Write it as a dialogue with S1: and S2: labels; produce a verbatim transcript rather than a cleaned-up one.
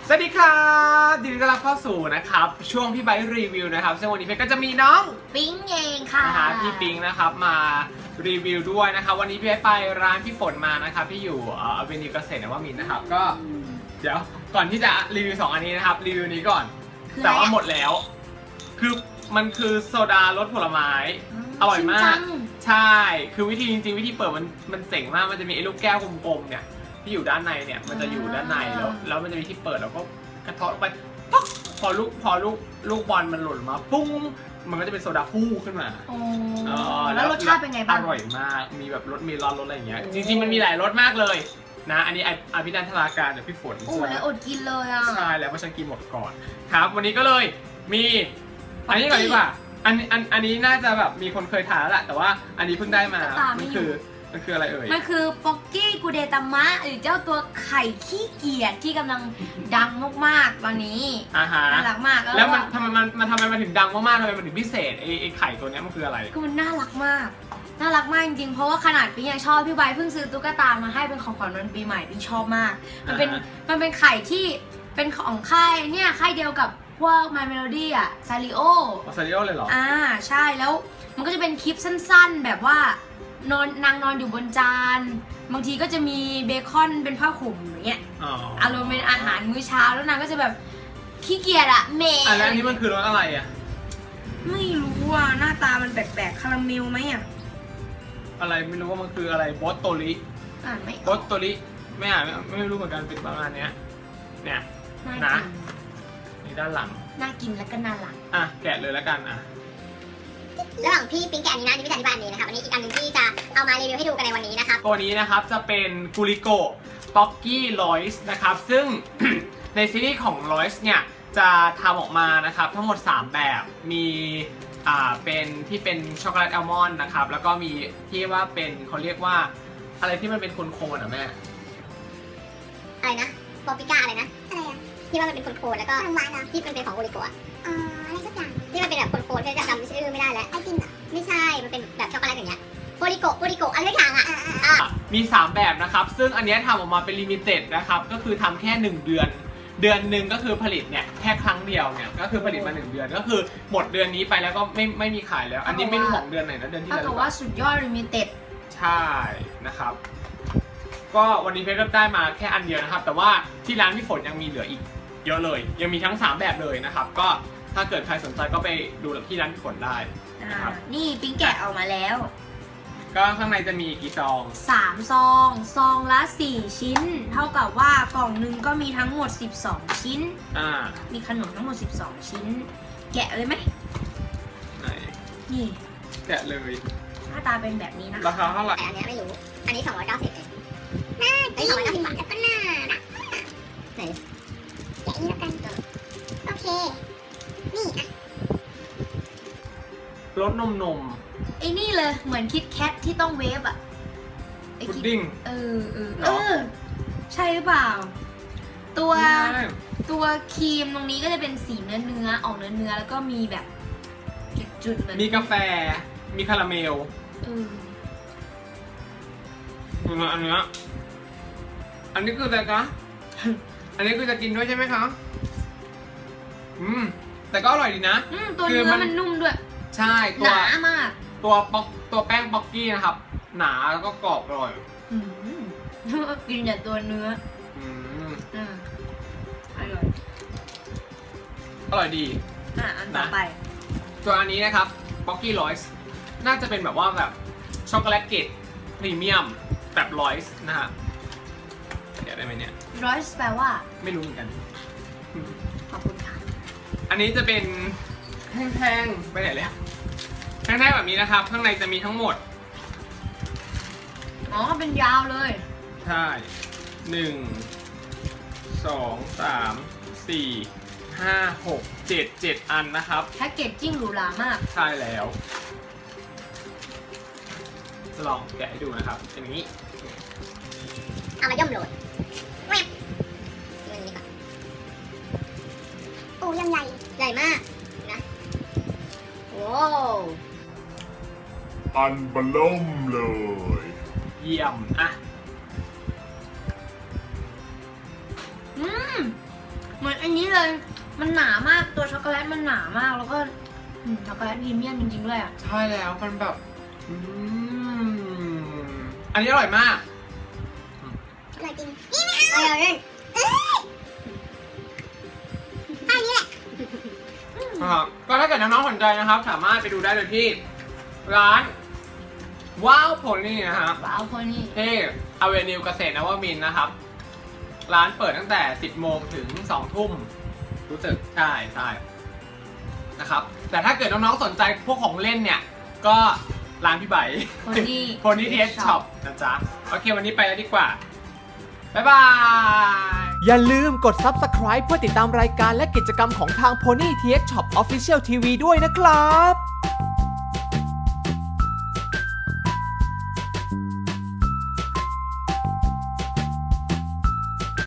S1: สวัสดีครับยินดีต้อนรับเข้าสู่นะครับช่วงพี่ไบค์รีวิวนะครับซึ่งวันนี้เพชรก็จะมีน้อง
S2: ปิ๊งเองค่ะ
S1: นะฮะพี่ปิงนะครับมารีวิวด้วยนะครับวันนี้พี่ไบค์ไปร้านพี่ฝนมานะครับที่อยู่เอ่อเวนิวเกษตรนวมินทร์นะครับก็เดี๋ยวก่อนที่จะรีวิวสองอันนี้นะครับรีวิวนี้ก่อนแต่ว่าหมดแล้วคือมันคือโซดารสผลไม้อร่อยมากใช่คือวิธีจริงๆวิธีเปิดมันมันเจ๋งมากมันจะมีไอ้ลูกแก้วกลมๆเนี่ยที่อยู่ด้านในเนี่ยมันจะอยู่ด้านในแล้วแล้วมันจะมีที่เปิดแล้วก็กระเทาะไปปุ๊บพอลูกพอลูกลูกบอลมันหล่นมาปุ้งมันก็จะเป็นโซดาฟู่ขึ้นมา
S2: โอ้แล้วรสชาติเป็นไงบ้าง
S1: อร่อยมากมีแบบรสมีร้อนรสอะไรอย่างเงี้ยจริงๆมันมีหลายรสมากเลยนะอันนี้อภินันทนาการเดี๋ยวพี่ฝน
S2: โอ้แล้วอดกินเลยอ่ะ
S1: ใช่แล้วเพราะฉันกินหมดก่อนครับวันนี้ก็เลยมีอันนี้ก่อนดีกว่าอันอันอันนี้น่าจะแบบมีคนเคยทานแล้วแหละแต่ว่าอันนี้เพิ่งได้มามันคือมันคืออะไรเอ่ย
S2: มันคือป๊อกกี้กูเดตามะหรือเจ้าตัวไข่ขี้เกียจที่กำลังดังมากๆตอนนี้
S1: อ่าฮะ
S2: น่ารักมาก
S1: แล้วมันทำไมมันมันทำไมมันถึงดังมากๆทำไมมันถึงพิเศษไอ้ไอ้ไข่ตัวนี้มันคืออะไร
S2: คือมันน่ารักมากน่ารักมากจริงๆเพราะว่าขนาดพี่ยังชอบพี่ใบเพิ่งซื้อตุ๊กตามาให้เป็นของขวัญวันปีใหม่พี่ชอบมากมันเป็นมันเป็นไข่ที่เป็นของค่ายเนี่ยค่ายเดียวกับพวก My Melody อ่ะซาริโอ
S1: ซาริโอเลยเหรอ
S2: อ่าใช่แล้วมันก็จะเป็นคลิปสั้นๆแบบว่านอนนางนอนอยู่บนจานบางทีก็จะมีเบคอนเป็นผ้าห่มอย่างเงี้ยอารมณ์เป็นอาหารมื้อเช้าแล้วนางก็จะแบบขี้เกียจอะเมย์
S1: อันนี้มันคือรสอะไรอะ
S2: ไม่รู้อ่ะหน้าตามันแปลกๆคาราเมลไหมอะ
S1: อะไรไม่รู้ว่ามันคืออะไรบอสโตริ
S2: อ่านไม่
S1: บอสโตริไม่อ่านไม่รู้เหมือนกันเป็นประมาณเนี้ยเนี่ยนะนี่ด้านหลัง
S2: น่ากินและก็น่ารัก
S1: อ่ะแกะเลยแล้วกันอ่ะ
S3: ระหว่างพี่ปิ๊งแกะอันนี้นะนี่พี่อธิบายอันนี้นะครับอันนี้อีกอันหนึ่งที่จะเอามารีวิวให้ดูกันในวันนี้นะครับ
S1: ตัวนี้นะครับจะเป็นกูริโกป๊อกกี้ลอยส์นะครับซึ่ง ในซีรีส์ของลอยส์เนี่ยจะทำออกมานะครับทั้งหมดสามแบบมีอ่าเป็นที่เป็นช็อกโกแลตอัลมอนด์นะครับแล้วก็มีที่ว่าเป็นเขาเรียกว่าอะไรที่มันเป็นโคนๆอ่ะแม่
S3: อะไรนะปอปิก้าอะไรนะอะไรอ่ะที่ว่ามันเป็นโคนๆแล้วก็หวานๆที่มันเป็นของโอริโกะอ๋ออะไรสักอย่างที่มันเป็นแบบโคนๆที่จะจำชื่อไม่ได้แล้วไอติมอ่ะไม่ใช่มันเป็นแบบช็อกโกแลตอย่างเงี้ยโอริโกะโอริโกะอะไรสักอย่างอ่ะ
S1: มีสามแบบนะครับซึ่งอันนี้ทำออกมาเป็นลิมิเต็ดนะครับก็คือทำแค่หนึ่งเดือนเดือนหนึ่งก็คือผลิตเนี่ยแค่ครั้งเดียวเนี่ยก็คือผลิตมาหนึ่งเดือนก็คือหมดเดือนนี้ไปแล้วก็ไม่ไม่มีขายแล้วอันนี้ไม่รู้ของเดือนไหนนะเดือนที่แล้ว
S2: แต่ว่าสุดยอดลิมิเต็ด
S1: ใช่นะครับก็วันนี้เพชรก็ได้มาแค่อันเดียวนะครับแต่ว่าที่ร้านพี่ฝนยังมีเหลืออีกเยอะเลยยังมีทั้งสามแบบเลยนะครับก็ถ้าเกิดใครสนใจก็ไปดูที่ร้านพี่ฝนได้นะครับ
S2: นี่ปิ๊งแกะออกมาแล้ว
S1: ก็ข้างในจะมีกี่ซอง
S2: สามซองซองละสี่ชิ้นเท่ากับว่ากล่องหนึ่งก็มีทั้งหมดสิบสองชิ้น
S1: อ่า
S2: มีขนมทั้งหมดสิบสองชิ้นแกะเลยไหม
S1: ไหน
S2: นี่
S1: แกะเลย
S2: หน้าตาเป็นแบบนี้นะ
S1: ราคาเท่าไหร่
S3: อันนี้ไม่รู้อันนี้สองร้อยเก้าสิบเองน่ากินสองร้อยเก้าสิบบาทแล้วก็น่ารักไหนแกะนี่แล้วกันโอเคนี่อ่ะ
S1: รสนมนม
S2: ไอ้นี่เลยเหมือนคิดแคทที่ต้องเวฟอะ
S1: พุดดิ้ง
S2: เออเออเออใช่หรือเปล่าตัวตัวครีมตรงนี้ก็จะเป็นสีเนื้อเนื้อออกเนื้อเนื้อแล้วก็มีแบบจุดๆเหมือน
S1: มีกาแฟมีคาราเมล
S2: เออ
S1: อันนี้อันนี้คืออะไรคะอันนี้คือจะกินด้วยใช่ไหมคะอืมแต่ก็อร่อยดีนะ
S2: อืมตัวเนื้อมันนุ่มด้วย
S1: ใช่
S2: ตัวหนามาก
S1: ตัวป๊อกตัวแป้งป๊อกกี้นะครับหนาแล้วก็กรอบอร่อย
S2: กินแต่ตัวเนื้อ
S1: อืม
S2: อ่าอร่อย
S1: อร่อยดี
S2: อ่ะอันต่อไป
S1: ตัวอันนี้นะครับป๊อกกี้ลอยส์น่าจะเป็นแบบว่าแบบช็อกโกแลตเกรดพรีเมียมแบบลอยส์นะฮะเดี๋ยวได้ไหมเนี่ย
S2: ลอยส์แปลว่า
S1: ไม่รู้เหมือนกัน
S2: ขอบคุณค่ะ
S1: อันนี้จะเป็นแท่งๆไปไหนแล้วแท่งๆแบบนี้นะครับข้างในจะมีทั้งหมด
S2: อ๋อเป็นยาวเลย
S1: ใช่หนึ่งสองสามสี่ห้าหกเจ็ดเจ็ดอันนะครับ
S2: แพ็กเกจจิ้งหรูหรามาก
S1: ใช่แล้วจะลองแกะให้ดูนะครับเป็นอย่างนี้
S3: เอามาย่อมโหลดแวบนี่ก่อนโอ้ยังใหญ่ใหญ่มากนะโอ้
S4: อันบล่มเลย
S1: เยี่ยมอ่ะ
S2: อืมเหมือนอันนี้เลย มันหนามากตัวช็อกโกแลตมันหนามากแล้วก็อืมช็อกโกแลตพรีเมียมจริงๆด้วยอ่ะ
S1: ใช่แล้วมันแบบอืมอันนี้อร่อยมาก
S3: อร่อยจริงนี่ไม่เอาเอาเล่นเอ้ยอันนี้แหละ
S1: นะครับก็ถ้าเกิดน้องๆสนใจนะครับ สามารถไปดูได้เลยที่ร้านว้าวโพนี่นะครับ
S2: ว้าวพอนี่
S1: ที่อเวนิวเกษตรนวมินทร์นะครับ ร้านเปิดตั้งแต่ สิบโมงถึง สองทุ่มรู้สึกใช่ใช่นะครับ แต่ถ้าเกิดน้องๆสนใจพวกของเล่นเนี่ย ก็ร้านพี่ใบ
S2: โพนี่
S1: โพนี่เทสช็อปนะจ๊ะ โอเควันนี้ไปแล้วดีกว่า บ๊ายบาย
S5: อย่าลืมกด ซับสไครบ์ เพื่อติดตามรายการและกิจกรรมของทาง Pony ที เอ็กซ์ Shop Official ที วี ด้วยนะครับ